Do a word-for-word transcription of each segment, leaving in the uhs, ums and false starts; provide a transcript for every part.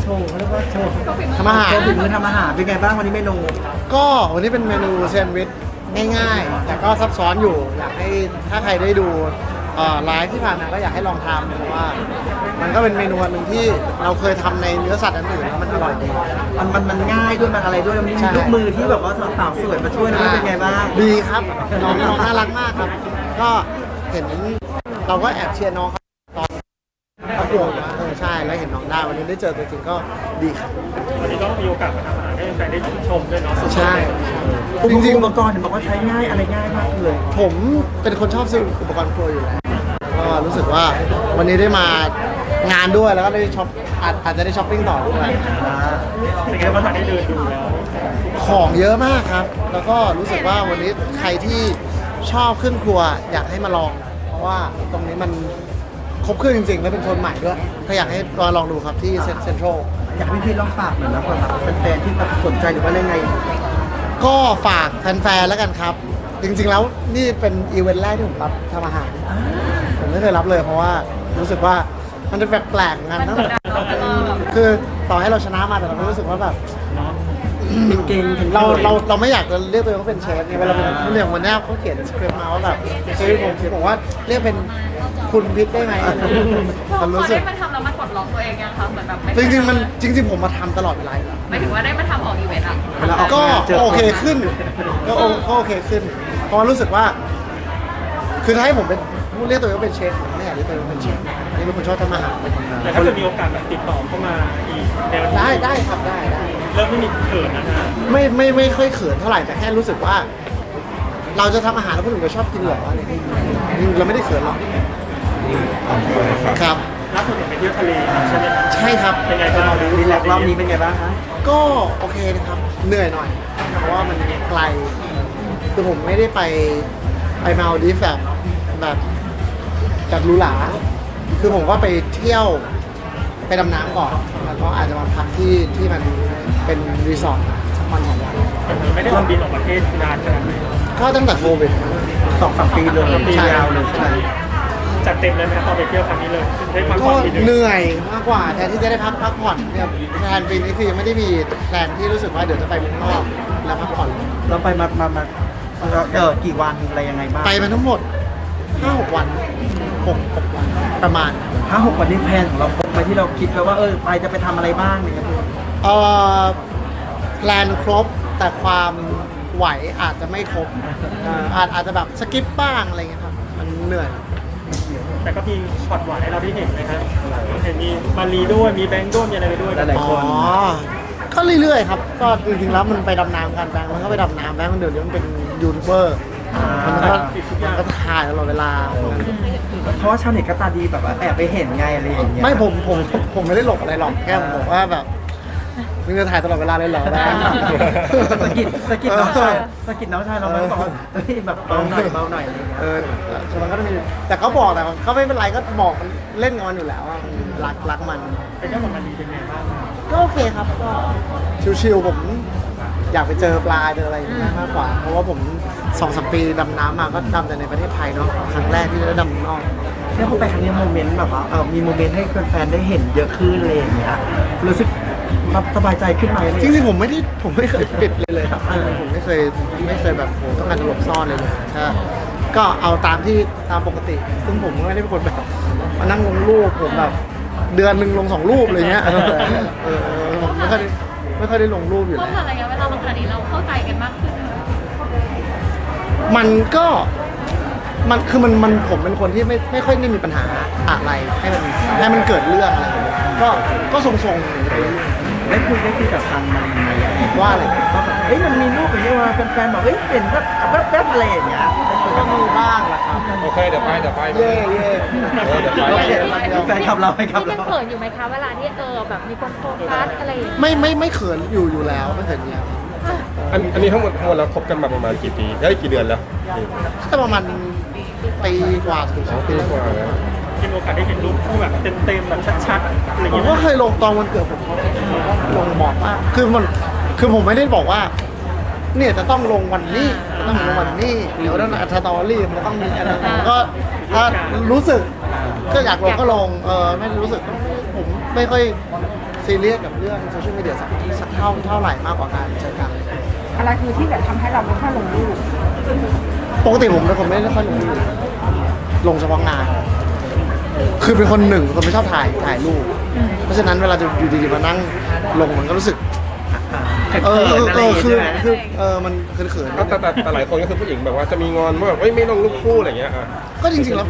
ว์เขาเรียกว่าโชว์ทำอาหารโชว์ฝีมือทำอาหารเป็นไงบ้างวันนี้เมนูก็วันนี้เป็นเมนูแซนด์วิชง่ายๆ แต่ก็ซับซ้อนอยู่ อยากให้ถ้าใครได้ดูเอ่อไลฟ์ที่ผ่านมาก็อยากให้ลองทำเพราะว่า มันก็เป็นเมนูอันหนึ่งที่เราเคยทำในเนื้อสัตว์อันอื่นแล้วมันอร่อยดีมันมันมันง่ายด้วยมันอะไรด้วยมันมีใช่ลูกมือที่แบบว่าสาวๆสวยมาช่วยนะเป็นไงบ้างดีครับน้องน้องน่ารักมากครับ ก็เห็นเราก็แอบเชียร์น้องเขาตอนประกวดนะเออใช่แล้วเห็นน้องได้วันนี้ได้เจอตัวจริงก็ดีครับวันนี้ก็มีโอกาสมาทำอาหารให้แฟนได้ชื่นชมด้วยเนาะใช่อุจปริงกรณ์อุปกรณ์เห็นบอกว่าใช้ง่ายอะไรง่ายมากเลยๆผมเป็นคนชอบซื้ออุปกรณ์ครัวอยู่แล้วก็รู้สึกว่าวันนี้ได้มางานด้วยแล้วก็ได้ช็อปอาจอาจจะได้ช้อปปิ้งต่อด้วยเป็นไงบ้างได้เดินดูแล้วของเยอะมากครับ แล้วก็รู้สึกว่าวันนี้ใครที่ชอบเครื่องครัวอยากให้มาลอง เพราะว่าตรงนี้มันครบเครื่องจริงๆ และเป็นโซนใหม่ด้วยก็อยากให้มาลองดูครับที่เซ็นทรัลอยากให้พี่ลองฝากหน่อยนะสำหรับแฟนๆที่แบบสนใจหรือว่าอะไรไงก็ฝากแฟนๆแล้วกันครับ จริงๆแล้วนี่เป็นอีเวนต์แรกที่ผมรับทำอาหาร ผมไม่เคยรับเลยเพราะว่ารู้สึกว่ามันจะแปลกๆงานตั้งแต่คือต่อให้เราชนะมาแต่เราก็รู้สึกว่าแบบเก่งๆเราเราเราไม่อยากจะเรียกตัวเองว่าเป็นเชฟไงเวลาเป็นเรื่องวันนี้เขาเขียนสคริปต์มาว่าแบบเชฟผมผมบอกว่าเรียกเป็นคุณพิษได้ไหมพอมันรู้สึได้กมาทำแล้วมันปลดล็อกตัวเองยังคะเหมือนแบบไม่จริงๆมันจริง ๆ ผมมาทำตลอดเวลาอยู่แล้วหมายถึงว่าได้มาทำออกอีเวนต์อะเวลาออกก็งานเจอโอเคขึ้นก็โอก็โอเคขึ้นเพราะรู้สึกว่า คือถ้าให้ผมเป็นเรียกตัวเองว่าเป็นเชฟผมไม่อยากเรียกตัวเองว่าเป็นเชฟนี่เป็นคนชอบทำอาหารแต่ถ้าเกิดมีโอกาสแบบติดต่อเข้ามาอีกแนวนี้ได้ได้ครับได้ได้เริ่มไม่มีเขินนะฮะไม่ไม่ไม่ค่อยเขินเท่าไหร่แต่แค่รู้สึกว่า เราจะทำอาหารแล้วคนอื่นก็ชอบกินเหรออะไรอย่างเงี้ยเราไม่ได้เขินหรอกครับล่าสุดเห็นไปเที่ยวทะเลใช่ไหมครับใช่ครับเป็นไงบ้างรีแลกซ์รอบนี้เป็นไงบ้างคะก็โอเคนะครับเหนื่อยหน่อย เพราะว่ามันไกลคือผมไม่ได้ไปไปมาลดีฟแบบแบบแบบหรูหราคือผมก็ไปเที่ยวไปดำน้ำก่อนแล้วก็อาจจะมาพักที่ที่มันเป็นรีสอร์ทสักวันสองวันไม่ได้ทำบินออกประเทศนานขนาดไหนก็ตั้งแต่โควิดสองสามปีเลยใช่ยาวเลยใช่ไหมจัดเต็มเลยไหมครับตอนไปเที่ยวครั้งนี้เลยได้พักผ่ก็อนทีนึงเหนื่อยมากกว่าแทนที่จะได้พักพักผ่อนเนี่ยแทนปีนี้คือยังไม่ได้มีแพลนที่รู้สึกว่าเดี๋ยวจะไปเมืองนอกแล้วพักผ่อนเราไปมามามาเออกี่วันอะไรยังไงบ้างไปมาทั้งหมดห้าหกวันหกหกวันประมาณห้าหกวันนี้แพลนของเราครบไหมที่เราคิดไว้ว่าเออไปจะไปทำอะไรบ้างเนี่ยครับเอ่อแพลนครบแต่ความไหวอาจจะไม่ครบเอ่ออาจอาจจะแบบสกิปบ้างอะไรเงี้ยครับมันเหนื่อยแต่ก็มีช็อตหวานให้เราได้เห็นนะครับเห็นมีมารีด้วยมีแบงค์ด้วยมีอะไรไปด้วยหลายๆคนอ๋อ ก็เรื่อยๆครับ ก็จริงๆแล้วมันไปดำน้ำกันแบงค์มันก็ไปดำน้ำแบงค์มันเดี๋ยวนี้มันเป็นยูทูบเบอร์มันก็มันก็ถ่ายตลอดเวลาเพราะว่าชาวเน็ตก็ตาดีแบบว่าแอบไปเห็นไงอะไรอย่างเงี้ยไม่ผมผมผมไม่ได้หลบอะไรหรอกแค่ผมบอกว่าแบบมึงจะถ่ายตลอดเวลาเลยเหรอแบงค์สะกิดสะกิดน้องชายสะกิดน้องชายเราไหมบอกว่าเฮ้ยแบบเบาหน่อยเบาหน่อยอะไรอย่างเงี้ยเออมันก็จะมีแต่เขาบอกแต่เขาไม่เป็นไรก็บอกมันเล่นกับมันอยู่แล้วอะรักรักมันเป็นเจ้าของมารีเป็นไงบ้างก็โอเคครับก็ชิวๆผมอยากไปเจอปลาเจออะไรอย่างเงี้ยมากกว่า เพราะว่าผมสองสามปีดำน้ำมาก็ดำแต่ในประเทศไทยเนาะครั้งแรกที่ได้ดำนอกเนี่ยพอไปครั้งนี้โมเมนต์แบบว่าเออมีโมเมนต์ให้แฟนๆได้เห็นเยอะขึ้นเลยอย่างเงี้ยรู้สึกสบายใจขึ้นไหมจริงๆผมไม่ได้ผมไม่เคยปิดเลยเลยครับผมไม่เคยไม่เคยแบบผมต้องการจะหลบซ่อนเลยเลยใช่ก็เอาตามที่ตามปกติ ซึ่งผมก็ไม่ได้เป็นคนแบบมานั่งลงรูปผมแบบเดือนหนึ่งลงสองรูปอะไรเงี้ยเออเออผมไม่ค่อยได้ไม่ค่อยได้ลงรูปอยู่เพแล้ราะวผ่านระยะเวลามาขนาดนี้เราเข้าใจกันมากขึ้นมันก็มันคือมันมันผมเป็นคนที่ไม่ไม่ค่อยได้มีปัญหาอะไรให้มันให้มันเกิดเรื่องอะไรอย่างเงี้ยก็ก็ทรงๆไปเรื่อยได้คุยได้คุยกับทางมารีไหมว่าอะไรว่าแบบเอ้ยมันมีรูปอย่างเงี้ยมาแฟนๆบอกเอ้ยเห็นแบบแป๊บๆอะไรอย่างเงี้ยก็มีบ้างแหละครับโอเคเดี๋ยวไปเดี๋ยวไปเย่เย่เออเดี๋ยวไปแฟนคลับเราไปครับพี่เรายังเขินอยู่ไหมคะเวลาที่เออแบบมีคนโฟกัสอะไรอย่างเงี้ยไม่ไม่ไม่เขินอยู่อยู่แล้วไม่เขินอยู่แล้วอันอันนี้ทั้งหมดทั้งหมดเราคบกันมาประมาณกี่ปีได้กี่เดือนแล้วก็ประมาณปีกว่าถึงสสออง งปีปีกว่าแล้วมีโอกาสได้เห็นรูปคู่แบบเต็มๆแบบชัดๆอะไรอย่างผมเงี้ยก็เคยลงตอนวันเกิดผมก็ลงบอกว่าคือมันคือผมไม่ได้บอกว่า เนี่ยจะต้องลงวันนี้จะต้องลงวันนี้เดี๋ยวต้องอัตตอรี่มันต้องมีอะไรก็ถ้ารู้สึกก็อยากลงก็ลงเออไม่รู้สึกผมไม่ค่อยซีซีเรียสกับเรื่องโซเชียลมีเดียสักสักเท่าเท่าไหร่มากกว่าการใช้กันอะไรคือที่แบบทำให้เราไม่ค่อยลงรูปปกติผมเป็นคนไม่ได้ค่อยลงรูปลงเฉพาะงาน คือเป็นคนหนึ่งคนไม่ชอบถ่ายถ่ายรูป เพราะฉะนั้นเวลาจะอยู่ดีๆมานั่งลงมันก็รู้สึกเอเออเอออะไรเออคือใช่ไหมคือเออมันเขินๆแต่แต่แต่แต่หลายคนก็คือผู้หญิงแบบว่าจะมีงอนว่าแบบเอ้ยไม่ลงรูปคู่อะไรเงี้ยอ่ะก็จริงๆแล้ว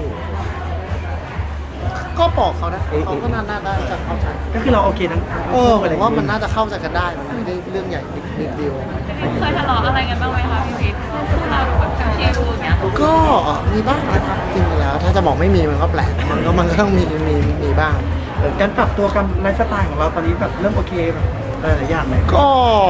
ก็บอกเขานะเขาก็น่าน่าจะเข้าใจก็คือเราโอเคทั้งทั้งเออผอะไรมว่ามันน่าจะเข้าใจกันได้มันไม่ได้เรื่องใหญ่บิ๊กเดียวเคยทะเลาะอะไรกันบ้างไหมคะพี่วิทย์คู่เราดูแบบชิลๆอย่างเงี้ยก็มีบ้างนะครับจริงๆแล้ว ถ้าจะบอกไม่มีมันก็แปลกมันก็มันก็ต้องมีมีมีบ้างเออการปรับตัวกับไลฟ์สไตล์ของเราตอนนี้แบบเริ่มโอเคแบบหลายๆอย่างเลยก็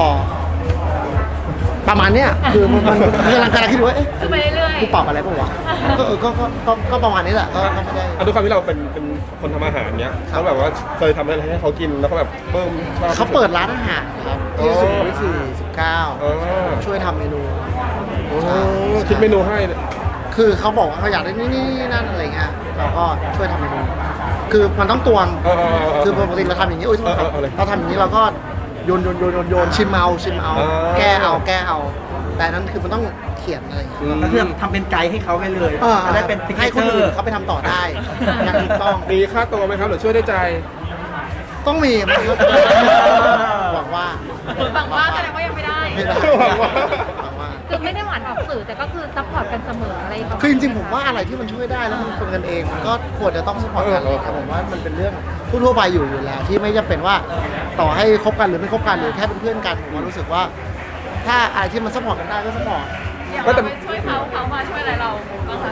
ประมาณเนี้ยคือมันมันกำลังกำลังคิดว่าเอ๊ะคือไปเรื่อยกูปรับอะไรป่าวะก็เออก็ก็ก็ก็ประมาณนี้แหละก็ก็ไม่ได้อ่ะด้วยความที่เราเป็นเป็นคนทำอาหารเนี้ยเขาแบบว่าเคยทำอะไรให้เขากินแล้วก็แบบเพิ่มชอบเขาเปิดร้านอาหารครับที่สุขุมวิทสี่สิบเก้าอ๋อช่วยทำเมนูโอ้คิดเมนูให้เนี่ยคือเขาบอกว่าเขาอยากได้นี่นี่นี่นั่นอะไรเงี้ยเราก็ช่วยทำเมนู คือมันต้องตวงเออเออเออคือปกติเราทำอย่างนี้โอ้ยโทษครับเออเออเออเลยเราทำอย่างนี้เราก็โยนโยนโยนโยนโยนชิมเอาชิมเอาเออแก้เอาแก้เอา แต่อันนั้นคือมันต้องเขียนอะไรอย่างเงี้ยก็คือทำเป็นไกด์ให้เขาไปเลยเออจะได้เป็นให้คนอื่นเขาไปทำต่อได้อย่างถูกต้องมีค่าตัวไหมครับหรือช่วยได้ใจต้องมีมันก็หวังว่าๆฝั่งว่าแสดงว่ายังไม่ได้ไม่ได้หวังว่าหวังว่าคือไม่ได้หวานออกสื่อแต่ก็คือซัพพอร์ตกันเสมออะไรประมาณคือจริงๆผมว่าอะไรที่มันช่วยได้แล้วมันคนกันเองมันก็ควรจะต้องสปอร์ตกันเลยครับผมว่ามันเป็นเรื่องทั่วๆไปอยู่อยู่แล้ว ที่ไม่จำเป็นว่าต่อให้คบกันหรือไม่คบกันหรือแค่เป็นเพื่อนกันผมว่ารู้สึกว่า ถ้าอะไรที่มันสปอร์ตกันได้ก็สปอร์ตอย่างเราไปช่วยเขาเขามาช่วยอะไรเราบ้างคะ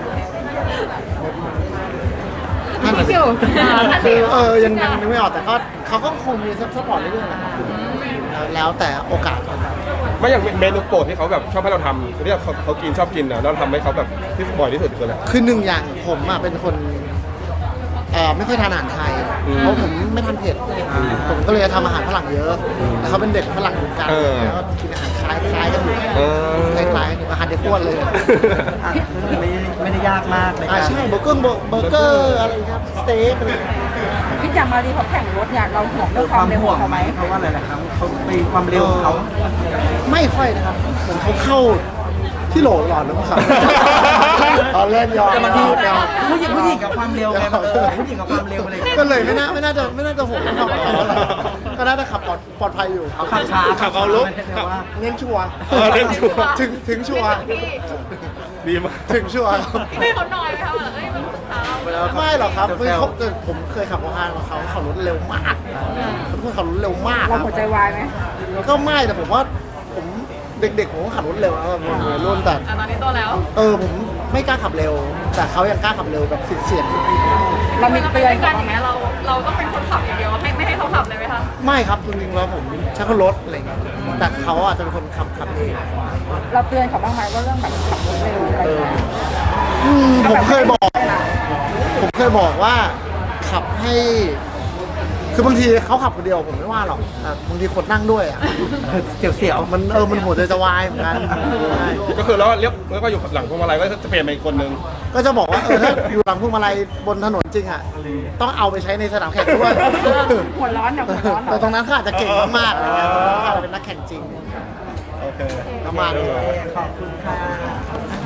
นั่นแหละพี่ฟิวคือเออยังยังนึกไม่ออกแต่ก็เขาก็คงมีสปอร์ตเรื่อยๆนะครับแล้วแต่โอกาสครับไม่อย่างเมนูโปรดที่เขาแบบชอบให้เราทำที่เขาเขากินชอบกินอ่ะเราทำให้เขาแบบที่บ่อยที่สุดคืออะไรคือหนึ่งอย่างผมอ่ะเป็นคนเอ่อไม่ค่อยทานอาหารไทยอืมเพราะผมไม่ทานเผ็ดผมก็เลยจะทำอาหารฝรั่งเยอะแต่เขาเป็นเด็กฝรั่งเหมือนกันเออแล้วก็กินอาหารคล้ายคล้ายกันอยู่เออคล้ายคล้ายๆกันอยู่อาหารเด็กอ้วนเลยอ่ะไม่ไม่ได้ยากมากในอ่าการใช่เบอร์เกอร์เบอร์เกอร์อะไรครับสเต็กอะไรพี่จามารีเขาแข่งรถเนี่ยเราห่วงเอเรื่อองความความเร็วห่วของ งเขาไหมเพราะว่าหลายๆครั้งเขาไปความเร็วของเขาไม่ค่อยนะครับเหมือนเขาเข้าที่โหลหลอดแล้วครับตอนเล่นยอมแต่บางทียอมผู้หญิงผู้หญิงกับความเร็วไงเออผู้หญิงกับความเร็วอะไรอย่างเงี้ยก็เลยไม่น่าไม่น่าจะไม่น่าจะห่วงเรื่องความปลอดภัยเท่าไหร่ก็น่าจะขับปลอดปลอดภัยอยู่เขาขับช้าขับเอาลุกไม่ได้แต่ว่าเน้นชัวร์เออเน้นชัวร์ถึงถึงชัวร์พี่ดีมากถึงชัวร์ครับพี่ไม่เขาหน่อยไหมคะแบบเอ้ยมันปรึกษาเราไม่หรอกครับคือเขาแต่ผมเคยขับรถทางเขาขับรถเร็วมากเขาเป็นคนขับรถเร็วมากคเรารับหัวใจวายไหมก็ไม่แต่ผมว่าผมเด็กๆผมก็ขับรถเร็วนะผมวัยรุ่นแต่อ่ะตอนนี้โตแล้วเออผมไม่กล้าขับเร็ว แต่เขายังกล้าขับเร็วแบบเสี่ยงเรามีเราเตืเป็อนนเขากันอย่างไหมเงี้ยเราเราต้องเป็นคนขับอย่างเดียวให้ไม่ให้เขาขับเลยไหมคะๆไม่ครับจริงๆแล้วผมใช้คนรถอะไรอย่างเงี้ยแต่เขาอาจจะเป็นคนขับขับเองเราเตือนเขาบ้างไหมว่าเรื่องแบบขับรถเร็วอะไรอย่างเงี้ยอืมผมเคยบอก ผมเคยบอกว่าขับให้ คือบางทีเขาขับคนเดียวผมไม่ว่าหรอกแต่บางทีคนนั่งด้วยอ่ะเสียวเสียวมันเออมันหัวใจจะวายเหมือนกันใช่ก็คือแล้วเรียกแล้วก็อยู่หลังพวงมาลัยก็จะเปลี่ยนเป็นอีกคนนึงก็จะบอกว่าเออถ้าอยู่หลังพวงมาลัยบนถนนจริงอ่ะต้องเอาไปใช้ในสนามแข่งด้วยหัวร้อนเนี่ยหัวร้อนเหรแต่อตรงนั้นเขาอาจจะเก่งมากๆอะไรเงี้ยตรงนั้นเขาอาจจะเป็นนักแข่งจริงโอเคประมาณนี้ขอบคุณค่ะ